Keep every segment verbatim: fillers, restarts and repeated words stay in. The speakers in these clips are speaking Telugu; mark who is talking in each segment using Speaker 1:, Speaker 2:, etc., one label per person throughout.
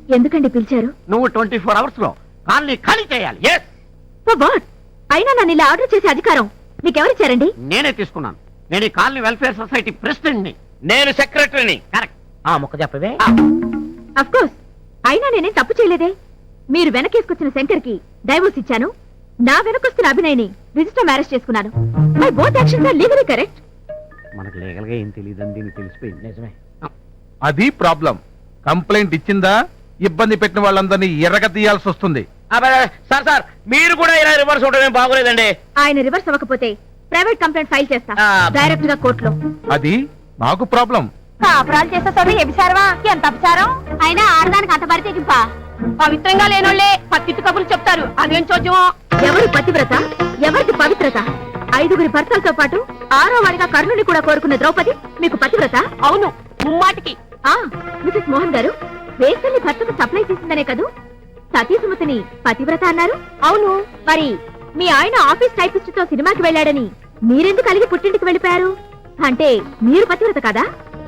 Speaker 1: ఎందుకండి పిలిచారు?
Speaker 2: నువ్వు ట్వంటీ ఫోర్ అవర్స్ లో కాలనీ ఖాళీ చేయాలి.
Speaker 1: అయినా నన్ను ఇలా ఆర్డర్ చేసే అధికారం మీకెవరిచ్చారండి?
Speaker 2: నేనే తీసుకున్నాను. నేను ఈ కాలనీ వెల్ఫేర్ సొసైటీ ప్రెసిడెంట్ ని. నేను సెక్రటరీని. కరెక్ట్. ఆ ముక్క చెప్పవే.
Speaker 1: Of course. అయినా నేనేం తప్పు చేయలేదే. మీరు వెనకేసుకొచ్చిన శంకర్ కి డైవోర్స్ ఇచ్చాను. నా వెనకొస్తున్న అభినయ్ని రిజిస్టర్ మ్యారేజ్ చేసుకున్నాను. My both actions are legally correct.
Speaker 2: మనకు లీగల్ గా ఏం తెలియదని దీనికి తెలిసిపోయింది. నిజమే.
Speaker 3: అది ప్రాబ్లం. కంప్లైంట్ ఇచ్చిందా ఇబ్బంది పెట్టిన వాళ్ళందరినీ ఎర్రగ తీయాల్సి వస్తుంది.
Speaker 2: సార్ సార్ మీరు కూడా ఇలా రివర్స్ ఉండడం బాగోలేదండి.
Speaker 1: ఆయన రివర్స్ అవ్వకపోతే ప్రైవేట్ కంప్లైంట్ ఫైల్ చేస్తా డైరెక్ట్ గా కోర్టులో.
Speaker 3: అది మాకు ప్రాబ్లం.
Speaker 1: కాపురాలు చేస్తే చదువు ఎబిసారవా? ఎంత అపచారం. అయినా ఆడదానికి అంత పడితే గింప. పవిత్రంగా లేనోళ్లే పత్తిట్టు కబుర్లు చెప్తారు. అదేం చోద్యమో. ఎవరు పతివ్రత, ఎవరికి పవిత్రత? ఐదుగురి భర్తలతో పాటు ఆరో వాడిగా కర్ణుని కూడా కోరుకున్న ద్రౌపది మీకు పతివ్రత? అవును, ముమ్మాటికి. ఆ మిసెస్ మోహన్ గారు, వేసల్ని భర్తకు సప్లై చేసిందనే కదూ సతీసుమతిని పతివ్రత అన్నారు? అవును. మరి మీ ఆయన ఆఫీస్ టైపిస్ట్ తో సినిమాకి వెళ్ళాడని మీరెందుకు కలిగి పుట్టింటికి వెళ్ళిపోయారు? అంటే మీరు పతివ్రత కదా?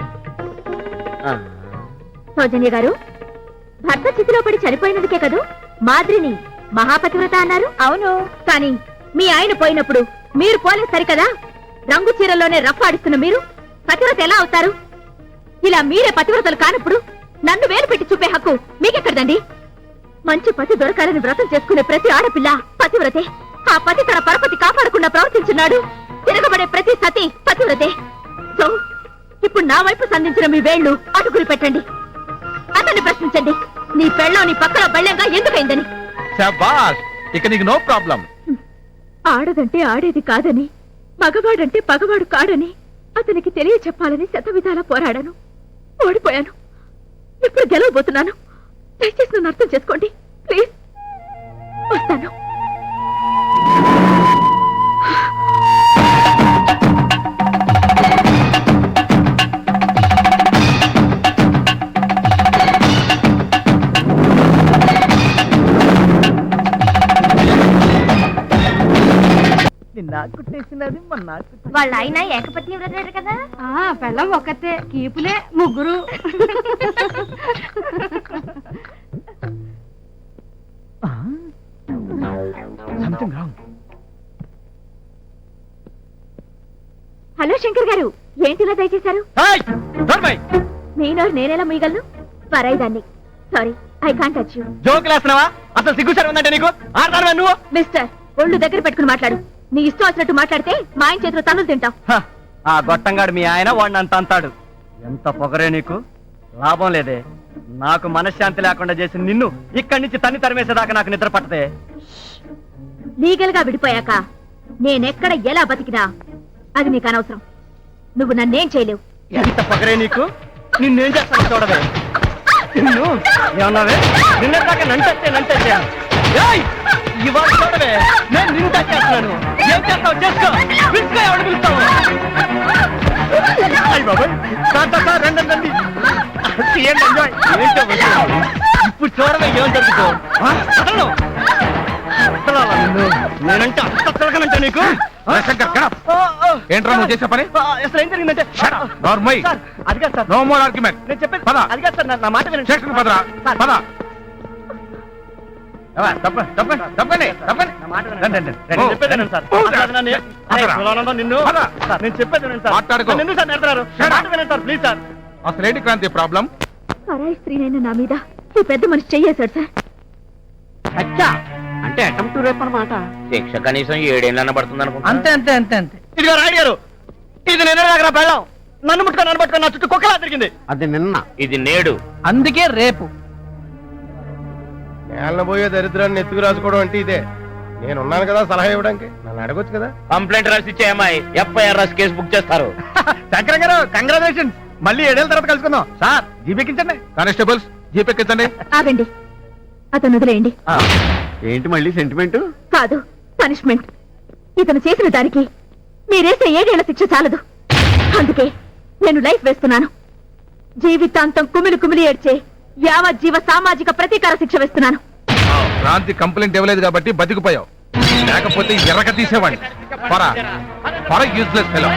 Speaker 1: సౌజన్య గారు, భర్త చితిలో పడి చనిపోయినందుకే కదూ మాద్రిని మహాపతివ్రత అన్నారు? అవును. కానీ మీ ఆయన పోయినప్పుడు మీరు పోలే సరికదా? రంగు చీరల్లోనే రఫ్ఫాడిస్తున్న మీరు పతివ్రత ఎలా అవుతారు? ఇలా మీరే పతివ్రతలు కానప్పుడు నన్ను వేలు పెట్టి చూపే హక్కు మీకెక్కడదండి? మంచి పతి దొరకాలని వ్రతం చేసుకునే ప్రతి ఆడపిల్ల పతివ్రతే. ఆ పతి తన పరపతి కాపాడకుండా ప్రవర్తించున్నాడు. తిరగబడే ప్రతి సతి పతివ్రతే. సో ఇప్పుడు నా వైపు సంధించిన మీ వేళ్లు అటుకులు పెట్టండి. అతన్ని ప్రశ్నించండి, నీ పెళ్ళం నీ పక్కన బళ్ళంగా ఎందుకైందని.
Speaker 3: శభాష్, ఇక నీకు నో ప్రాబ్లం.
Speaker 1: ఆడదంటే ఆడేది కాదని, మగవాడంటే పగవాడు కాడని అతనికి తెలియ చెప్పాలని శతవిధాలా పోరాడాను. ఓడిపోయాను. ఇప్పుడు గెలవబోతున్నాను. దయచేసి నన్ను అర్థం చేసుకోండి ప్లీజ్. వస్తాను.
Speaker 4: వాళ్ళ ఆయన ఏకపత్ని వ్రతాడు కదా.
Speaker 1: పెళ్ళం ఒక్కతే, కీపులే ముగ్గురు. హలో శంకర్ గారు, ఏంటిలా దయచేశారు? నేను నేనేలా మీగలను? పరాయిదాన్ని. Sorry, I can't touch you.
Speaker 2: జోకులేస్తున్నావా? అసలు సిగ్గుసారి ఉందంటే నీకు? ఆడతాను నువ్వు.
Speaker 1: మిస్టర్, ఒళ్ళు దగ్గర పెట్టుకుని మాట్లాడు. నీ ఇష్టం వచ్చినట్టు మాట్లాడితే మా ఆయన చేతిలో తన్నులు తింటావు.
Speaker 2: ఆ గొట్టంగాడు మీ ఆయన వాడిని అంత అంతాడు. ఎంత పొగరే నీకు. లాభం లేదే. నాకు మనశ్శాంతి లేకుండా చేసి నిన్ను ఇక్కడి నుంచి తన్ని తరిమేసేదాకా నాకు నిద్ర పట్టదే.
Speaker 1: లీగల్ గా విడిపోయాక నేనెక్కడ ఎలా బతికినా అది నీకు అనవసరం. నువ్వు నన్నేం చేయలేవు.
Speaker 2: ఎంత పొగరే నీకు. నిన్నేం చేస్తాను చూడవే. నిన్ను ఏమన్నావే? నిన్న దాకా నంటే నంటే ఇవాళ చూడవే, నేను నిన్ను చేస్తున్నాను. ఏం చేస్తావు చేసుకో. పిలుచుకో, ఎవడు పిలుస్తావు? అయ్యి బాబాయ్, రండి రండి. ఇప్పుడు చూడవే ఏం జరుగుతావు. నేనంటే అంత తిరగనంటే నీకు.
Speaker 3: ఏంట్రా నువ్వు చేసే పని?
Speaker 2: అసలు ఏం జరిగిందంటే అది కాదు సార్.
Speaker 3: No more argument.
Speaker 2: నేను చెప్పేది అది కాదు సార్. నా మాట వినండి.
Speaker 3: స్టేషన్ పదరా, పద. అసలేంటి క్రాంతి ప్రాబ్లం?
Speaker 1: పరాయి స్త్రీనైనా నా మీద ఈ పెద్ద మనిషి చెయ్యేశాడు సార్.
Speaker 2: అచ్చా, అంటే అటెంప్ట్ రేప్ అన్నమాట. శిక్ష కనీసం ఏడేళ్ళన్న పడుతుంది అనుకుంటా.
Speaker 5: అంతే అంతే అంతే అంతే.
Speaker 2: ఇదిగో రాయుడు గారు, ఇది నిన్న దగ్గర పెళ్ళాం. నన్ను ముట్టుకొని నన్ను పట్టుకొని నా చుట్టూ కుక్కలా తిరిగింది. అది నిన్న, ఇది నేడు.
Speaker 5: అందుకే రేపు.
Speaker 6: పోయే దరిద్రాన్ని ఎత్తుకు రాసుకోవడం అంటే ఇదే. నేనున్నాను కదా సలహా ఇవ్వడానికి. నన్ను అడగొచ్చు కదా.
Speaker 2: కంప్లైంట్ రాసి ఇచ్చే అమ్మాయి ఎఫ్ఐఆర్ రాసి కేసు బుక్ చేస్తారు.
Speaker 3: శంకర్ గారు, కంగ్రాచులేషన్స్. మళ్ళీ ఏడేళ్ళ తర్వాత కలుసుకుందాం. సార్, జీపెక్కించండి. కానిస్టేబుల్స్, జీపెక్కించండి.
Speaker 1: ఆగండి, అతను వదిలేయండి.
Speaker 2: ఏంటి మళ్ళీ సెంటిమెంట్?
Speaker 1: కాదు, పనిష్మెంట్. ఇతను చేసిన దానికి మీరేసే ఏడేళ్ల శిక్ష చాలదు. అందుకే నేను లైఫ్ వేస్తున్నాను. జీవితాంతం కుమిలి కుమిలి ఏడ్చే యావజ్జీవ సామాజిక ప్రతీకార శిక్ష వేస్తున్నాను.
Speaker 3: క్రాంతి కంప్లైంట్ ఇవ్వలేదు కాబట్టి బతికిపోయావు. లేకపోతే ఎర్రక తీసేవాడిని. పరా పర యూజ్లెస్ ఫెలో.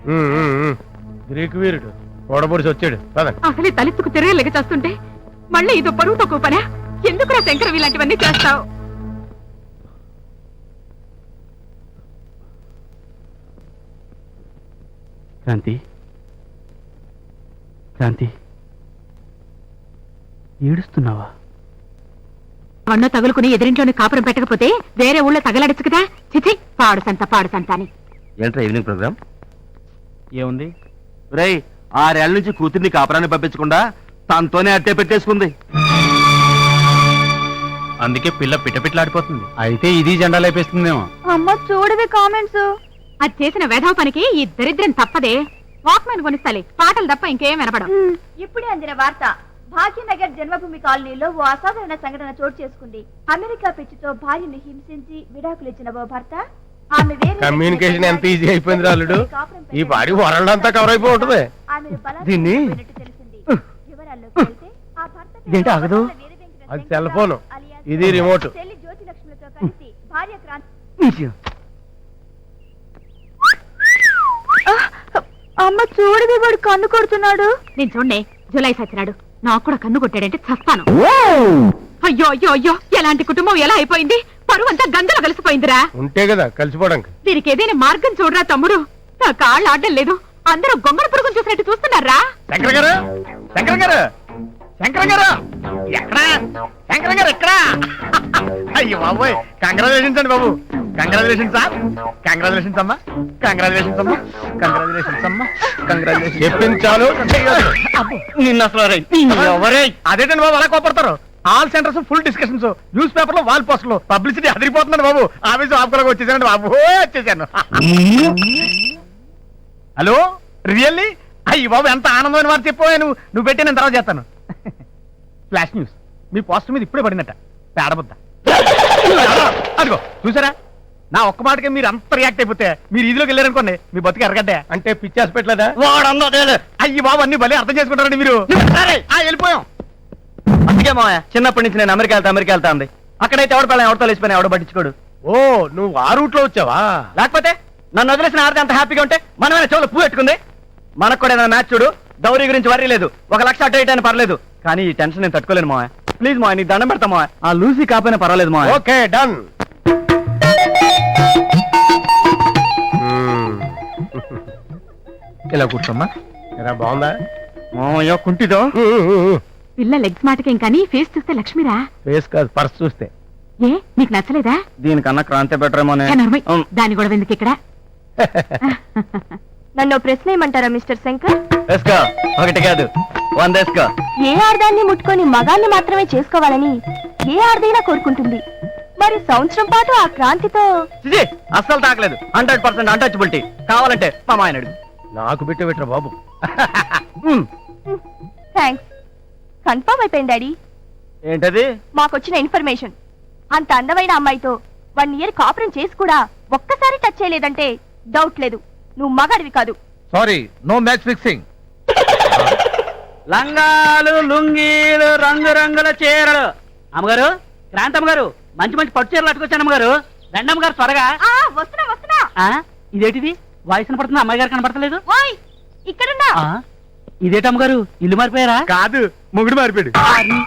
Speaker 6: ఉమ్, ఉమ్, ఉమ్. గ్రీకు వీరుడు ఓడబొడిసి వచ్చాడు పదండి.
Speaker 1: అసలే తలెత్తుకు తిరగలేక చేస్తుంటే మళ్ళీ ఇదో పరువు తక్కువ పనా? ఎందుకురా శంకరం ఇలాంటివన్నీ చేస్తావు?
Speaker 2: క్రాంతి క్రాంతి ఏడుస్తున్నావా?
Speaker 1: అన్న తగులుకుని ఎదిరింట్లోనే కాపురం పెట్టకపోతే వేరే ఊళ్ళో తగలడచ్చు కదా. చిచి, పాడు సంత పాడు సంత అని.
Speaker 2: ఏంట్రా ఈవినింగ్ ప్రోగ్రామ్? ఏముంది రేయ్, ఆరేళ్ల నుంచి కూతుర్ని కాపురాన్ని పంపించకుండా తనతోనే అట్టే పెట్టేసుకుంది. అందుకే పిల్ల పిట్టపిట్లాడిపోతుంది. అయితే ఇది జెండా లేపేస్తుందేమో.
Speaker 4: అమ్మ చూడవే కామెంట్స్.
Speaker 1: అది చేసిన వేధవ పనికి ఈ దరిద్రం తప్పదే. వాక్మెన్ కొనిస్తాలే, పాటలు తప్ప ఇంకేం వినపడం.
Speaker 4: ఇప్పుడే అందిన వార్త. భాగ్యనగర్ జన్మభూమి కాలనీలో ఓ అసాధారణ సంఘటన చోటు చేసుకుంది. అమెరికా పిచ్చితో భార్యను హింసించి విడాకులు ఇచ్చిన ఓ భర్త ఆమె వేరే
Speaker 6: కమ్యూనికేషన్ ఎంత ఈజీ అయిపోయింది రాలుడు. ఈ పాడి వరల్డ్ అంతా కవర్ అయిపోయి ఉంటుంది.
Speaker 4: ఆమెను బలాత్కారం
Speaker 2: దీన్ని-
Speaker 4: చేసినట్టు తెలిసింది. వివరాల్లోకి వెళ్తే ఆ భర్త పేరు
Speaker 2: ఇదేంటి ఆగదు?
Speaker 4: వీర వెంకట
Speaker 6: అది
Speaker 4: శంకర్రావు
Speaker 6: సెల్ ఫోను.
Speaker 4: అలియాస్
Speaker 6: ఇది రిమోట్.
Speaker 4: చెల్లి జ్యోతి లక్ష్మిలతో కలిసి భార్య క్రాంతి. అమ్మ చూడవి వాడు కన్ను కొడుతున్నాడు.
Speaker 1: నేను చూడండి, జులై సచ్చినాడు. నాకు కూడా కన్ను కొట్టాడంటే చస్తాను. అయ్యో అయ్యో అయ్యో, ఎలాంటి కుటుంబం ఎలా అయిపోయింది? పరువు అంతా గంగలో కలిసిపోయిందిరా.
Speaker 6: ఉంటే కదా కలిసిపోవడానికి.
Speaker 1: దీనికి ఏదైనా మార్గం చూడరా తమ్ముడు. నా కాళ్ళు ఆడడం లేదు. అందరూ గొంగళ పురుగును చూసినట్టు చూస్తున్నారా?
Speaker 2: శంకర్ గారు, శంకర్ గారు, శంకర్ గారు ఎక్కడా? శంకర్ గారు ఎక్కడా? అయ్యో బాబోయ్, కంగ్రాచులేషన్స్ అండి బాబు. Congratulations sir. కంగ్రాచులేషన్స్ అమ్మా. కంగ్రాచులేషన్స్ అమ్మా. కంగ్రాచులేషన్స్ అమ్మా. కంగ్రాచులేషన్స్.
Speaker 6: చెప్పింది చాలు.
Speaker 2: నిన్న అసలు అదేంటండి బాబు అలా కోపడతారు? All centres full discussions, news paper లో వాల్ పోస్టర్లు, పబ్లిసిటీ అదిరిపోతుందండి బాబు. ఆఫీసు ఆపుకోలేక వచ్చేసానండి బాబు, వచ్చేసాను. Hello, really? అయ్యి బాబు, ఎంత ఆనందమైన వారు చెప్పావు. నువ్వు నువ్వు పెట్టి నేను తర్వాత చేస్తాను. ఫ్లాష్ న్యూస్, మీ పోస్టర్ మీద ఇప్పుడే పడినట్ట పేడబుద్ద. అదిగో చూసారా, నా ఒక్క మాటకే మీరు అంత రియాక్ట్ అయిపోతే మీరు ఇదిలోకి వెళ్ళారనుకోండి, మీ బతుకు ఎరగడ్డే.
Speaker 6: అంటే పిచ్చి హాస్పిటల్
Speaker 2: అయ్యి బాబు, అన్ని భలే అర్థం చేసుకుంటారండి మీరు. సరే, ఆ, వెళ్ళిపోయాం. అందుకే మా చిన్నప్పటి నుంచి నేను అమెరికా వెళ్తా అమెరికా వెళ్తా ఉంది. అక్కడైతే ఎవడ పిల్లలు ఎవరితో లేచిపోయినా ఎవడ పట్టించుకోడు.
Speaker 6: ఓ, నువ్వు ఆ రూట్ లో వచ్చావా?
Speaker 2: లేకపోతే నన్ను వదిలేసిన ఆడితే అంత హ్యాపీగా ఉంటే మనమైన చెవులు పువ్వు పెట్టుకుంది. మనకు కూడా ఏదైనా మ్యాచ్ చూడు, దౌరీ గురించి వరీ లేదు. ఒక లక్ష అటు ఇటు అయినా పర్లేదు, కానీ ఈ టెన్షన్ నేను తట్టుకోలేను మావయ్య. ప్లీజ్ మావయ్య, నీకు దండం పెడతా మావయ్య. ఆ లూసీ కాపోయినా పర్వాలేదు మావయ్య.
Speaker 6: Okay, done.
Speaker 3: ఇలా కూర్చోమ్మా.
Speaker 6: ఎలా బాగుందా
Speaker 2: మావయ్య కుంటిదో?
Speaker 1: పిల్ల లెగ్స్ మాటకేం కానీ ఫేస్ చూస్తే లక్ష్మిరా.
Speaker 6: ఫేస్ కాదు, పర్స్ చూస్తే.
Speaker 1: ఏ నీకు నచ్చలేదా?
Speaker 2: దీనికన్నా క్రాంతి బెటరేమోనే.
Speaker 1: ఏ నర్మయ్, దాని గొడవ ఎందుకు ఇక్కడ?
Speaker 4: నన్ను ప్రశ్న ఏమంటారా మిస్టర్ శంకర్?
Speaker 2: వేసుకో, ఒకటి కాదు వంద వేసుకో.
Speaker 4: ఏ ఆర్దాన్ని ముట్టుకొని మగాన్ని మాత్రమే చేసుకోవాలని ఏ ఆర్దైనా కోరుకుంటుంది. మరి సంవత్సరం పాటు ఆ క్రాంతితో
Speaker 2: చిచి, అస్సలు తాకలేదు. Hundred percent untouchability. కావాలంటే మా మాయన అడుగు.
Speaker 6: నాకు బిట్టు పెట్టరా బాబు.
Speaker 4: థ్యాంక్స్. కన్ఫర్మ్ అయిపోయింది డాడీ.
Speaker 2: ఏంటది?
Speaker 4: మాకొచ్చిన ఇన్ఫర్మేషన్. అంత అందమైన అమ్మాయితో వన్ ఇయర్ కాపురం చేసి కూడా ఒక్కసారి టచ్ చేయలేదంటే డౌట్ లేదు, నువ్వు మగాడివి కాదు.
Speaker 3: Sorry, no match fixing.
Speaker 2: లంగాలు, లుంగీలు, రంగు రంగుల చీరలు. అమ్మగారు, క్రాంతమ్మ గారు, మంచి మంచి పట్టు చీరలు అట్టుకొచ్చాను అమ్మగారు. రండమ్మ గారు త్వరగా.
Speaker 4: ఆ వస్తున్నా వస్తున్నా.
Speaker 2: ఇదేంటిది? వాయిస్ కనపడుతుంది, అమ్మాయి గారు కనపడతలేదు.
Speaker 4: ఓయ్ ఇక్కడున్నా.
Speaker 2: ఇదేటమ్మగారు, ఇల్లు మారిపోయారా? కాదు, మొగుడు మారిపోయాడు.